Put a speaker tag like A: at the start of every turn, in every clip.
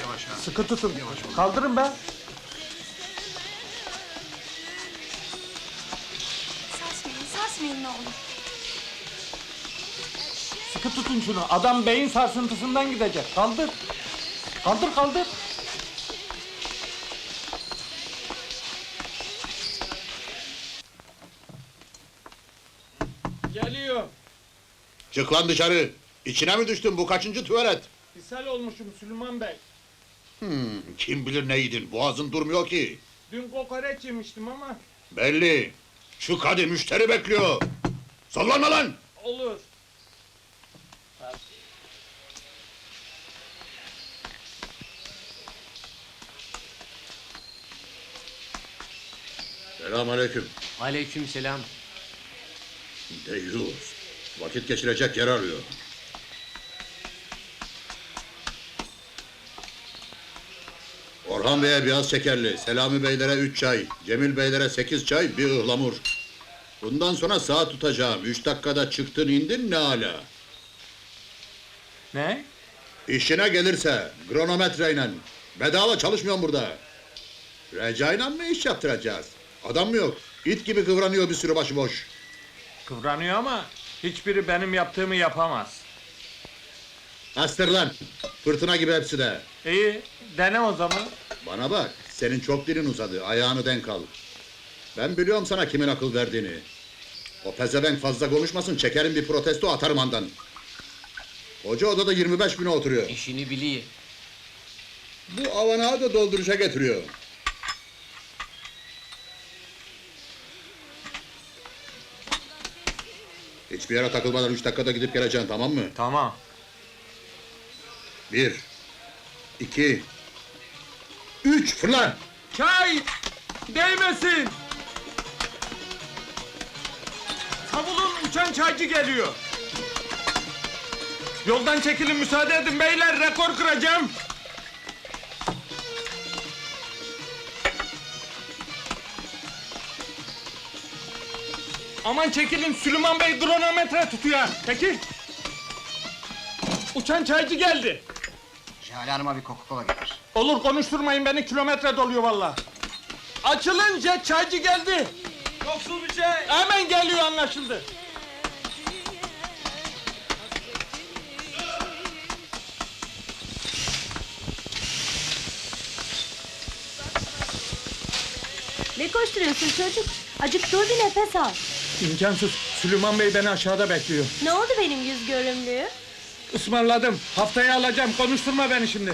A: Yavaş ha.
B: Sıkı tutun.
A: Yavaş ol.
B: Kaldırın be.
C: Sarsmayın ne olur.
B: Sıkı tutun şunu. Adam beyin sarsıntısından gidecek. Kaldır. Kaldır kaldır. Geliyor.
D: Çık lan dışarı! İçine mi düştün, bu kaçıncı tuvalet?
B: İshal olmuşum Süleyman Bey.
D: Kim bilir neydin, boğazın durmuyor ki.
B: Dün kokoreç yemiştim ama
D: Belli! Çık hadi, müşteri bekliyor! Sallanma lan!
B: olur.
D: Selamünaleyküm.
E: Aleykümselam.
D: Deyyus! Vakit geçirecek yer arıyor. Orhan Bey'e biraz şekerli, Selami Beylere 3 çay, Cemil Beylere 8 çay, bir ıhlamur. Bundan sonra saat tutacağım, 3 dakikada çıktın indin ne hala.
B: Ne?
D: İşine gelirse, kronometreyle. Bedava çalışmıyorum burada. Recai'yle mı iş yaptıracağız? Adam mı yok? İt gibi kıvranıyor bir sürü başıboş.
B: Kıvranıyor ama hiçbiri benim yaptığımı yapamaz.
D: Astır lan! Fırtına gibi hepsi de.
B: İyi, dene o zaman.
D: Bana bak, senin çok dilin uzadı, ayağını denk al. Ben biliyorum sana kimin akıl verdiğini. O pezevenk fazla konuşmasın, çekerim bir protesto atarım andan. Hoca odada 25 bine oturuyor.
E: İşini biliyor.
D: Bu avanağı da dolduruşa getiriyor. Hiçbir yere takılmadan 3 dakikada gidip geleceksin, tamam mı?
B: Tamam.
D: 1 2 3 fırla!
B: Çay! Değmesin! Savulun, uçan çaycı geliyor. Yoldan çekilin, müsaade edin beyler, rekor kıracağım. Aman çekilin, Süleyman Bey kronometre tutuyor. Çekil. Uçan çaycı geldi.
A: Jale Hanım'a bir Coca-Cola getir.
B: Olur, konuşturmayın beni, kilometre doluyor vallahi. Açılınca çaycı geldi. Yoksul bir şey. Hemen geliyor, anlaşıldı.
C: Ne koşturuyorsun çocuk? Acık dur bir nefes al.
B: İmkansız. Süleyman Bey beni aşağıda bekliyor.
C: Ne oldu benim yüz görümlüğü?
B: Ismarladım. Haftaya alacağım. Konuşturma beni şimdi.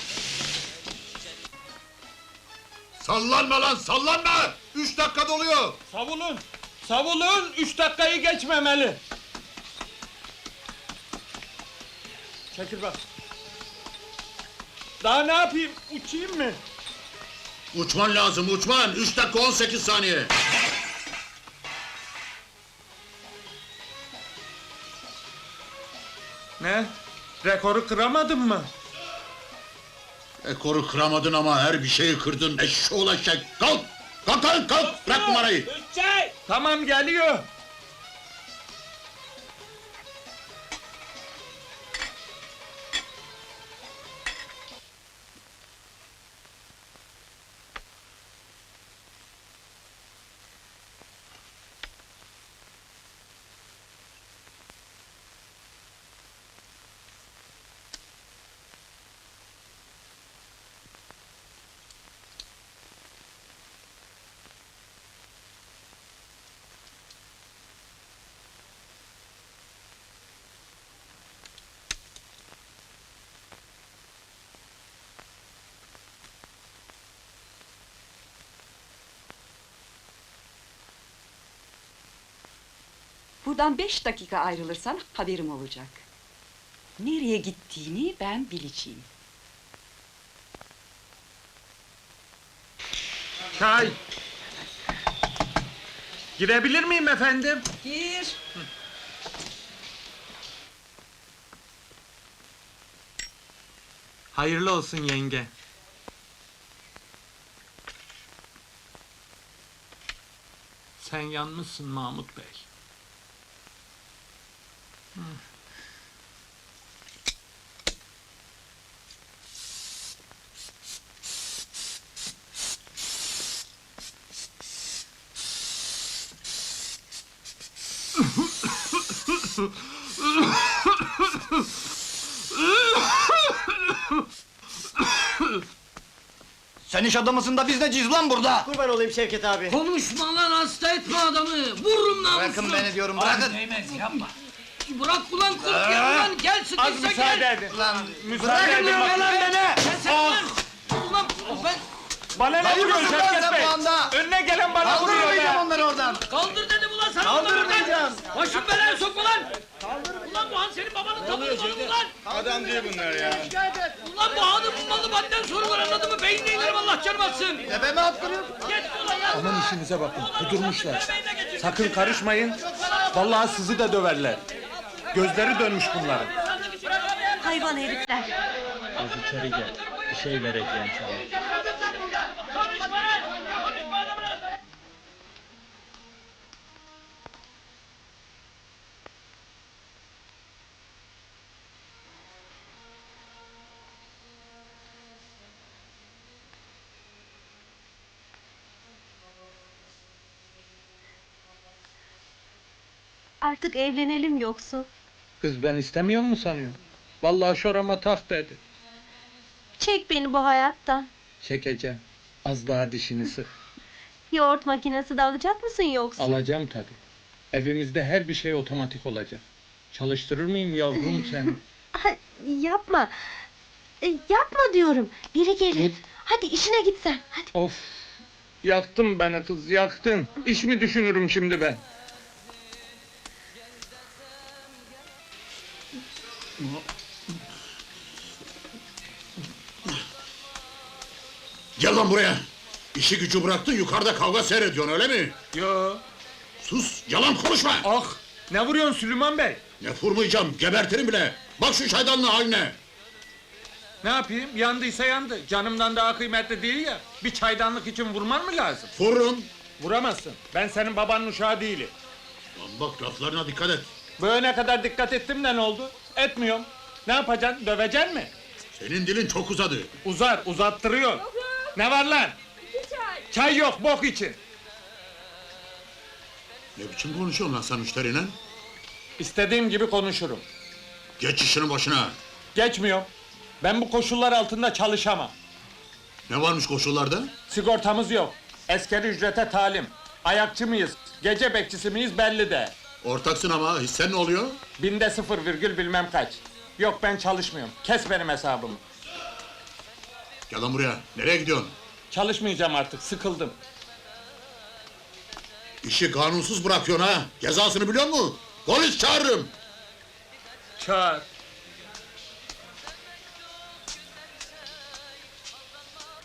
D: Sallanma lan, sallanma! 3 dakika doluyor!
B: Savulun. Savulun. 3 dakikayı geçmemeli. Çekil bak. Daha ne yapayım? Uçayım mı?
D: Uçman lazım, uçman! 3 dakika 18 saniye!
B: Ne? Rekoru kıramadın mı?
D: Ekoru kıramadın ama her bir şeyi kırdın, eşşoğlu eşek! Kalk! Kalk lan, kalk! Bırak numarayı!
B: Tamam, geliyor.
F: Buradan 5 dakika ayrılırsan haberim olacak. Nereye gittiğini ben bileceğim.
B: Çay. Girebilir miyim efendim?
F: Gir.
B: Hayırlı olsun yenge. Sen yanmışsın Mahmut Bey.
A: Sen iş adamısın da biz neciyiz lan burada?
E: Kurban olayım Şevket abi.
G: Konuşma lan, hasta etme adamı! Vururum namusunu!
A: Bırakın beni diyorum, bırakın.
G: Değmez, yapma! Bırak ulan kurt gel ulan, gel
B: Az
G: sıkışsa
B: müsaade
G: gel!
B: edin.
A: Lan
B: Müsaade edin
A: bırakın
B: bana.
A: lan beni!
G: Sen ulan! Ulan ben
B: Bana ne
A: Hayır
B: vuruyorsun
A: mısın lan
B: Şevket
A: sen
B: Bey?
A: bu anda?
B: Önüne gelen bana vuruyor
A: Kaldırmayacağım
B: be!
A: onları oradan!
G: kaldır dedim ulan sana!
A: Kaldırmayacağım.
G: Başım belaya sokma lan! Ulan bu han senin babanın tabanı malı ulan!
B: Adam değil bunlar ya.
G: Ulan bu hanın malı madden soru var anladın mı? Beynine inerim Allah canım atsın!
A: Tepeme attırıyorsun.
G: Geç ulan ya!
B: Aman işinize bakın, kudurmuşlar.
G: Beynine geçir.
B: Sakın karışmayın. Vallahi sizi de döverler. Gözleri dönmüş bunların.
C: Hayvan herifler.
H: Az içeri gel. Bir şey vereceğim sana.
G: Konuşma lan! Konuşma adamla!
C: Artık evlenelim yoksa.
H: Kız ben istemiyor mu sanıyorsun? Vallahi şorama tak dedi.
C: Çek beni bu hayattan.
H: Çekeceğim. Az daha dişini sık.
C: Yoğurt makinesi de alacak mısın yoksa?
H: Alacağım tabii. Evimizde her bir şey otomatik olacak. Çalıştırır mıyım yavrum seni?
C: Ha, yapma. Yapma diyorum. Biri gelir. Hadi işine git sen. Hadi.
H: Of! Yaktın beni kız, yaktın. İş mi düşünürüm şimdi ben?
D: Gel lan buraya. İşi gücü bıraktın, yukarıda kavga seyrediyorsun öyle mi?
B: Yo.
D: Sus, yalan konuşma!
B: Ah! Ne vuruyorsun Süleyman Bey?
D: Ne vurmayacağım, gebertirim bile! Bak şu çaydanlığın haline!
B: Ne yapayım? Yandıysa yandı. Canımdan daha kıymetli değil ya. Bir çaydanlık için vurman mı lazım?
D: Vururum!
B: Vuramazsın. Ben senin babanın uşağı değilim.
D: Lan bak, laflarına dikkat et!
B: Böyle kadar dikkat ettim de ne oldu? Etmiyorum. Ne yapacaksın? Döveceksin mi?
D: Senin dilin çok uzadı!
B: Uzar, uzattırıyor. Ne var lan? Çay yok, bok için.
D: Ne biçim konuşuyorsun lan sen müşteriyle?
B: İstediğim gibi konuşurum.
D: Geç işinin başına!
B: Geçmiyorum. Ben bu koşullar altında çalışamam.
D: Ne varmış koşullarda?
B: Sigortamız yok. Askeri ücrete talim. Ayakçı mıyız? Gece bekçisi miyiz belli de.
D: Ortaksın ama, hissen ne oluyor?
B: Binde 0 virgül bilmem kaç. Yok ben çalışmıyorum. Kes benim hesabımı.
D: Gel lan buraya, nereye gidiyorsun?
B: Çalışmayacağım artık, sıkıldım.
D: İşi kanunsuz bırakıyorsun ha! Cezasını biliyor musun? Polis çağırırım!
B: Çağır.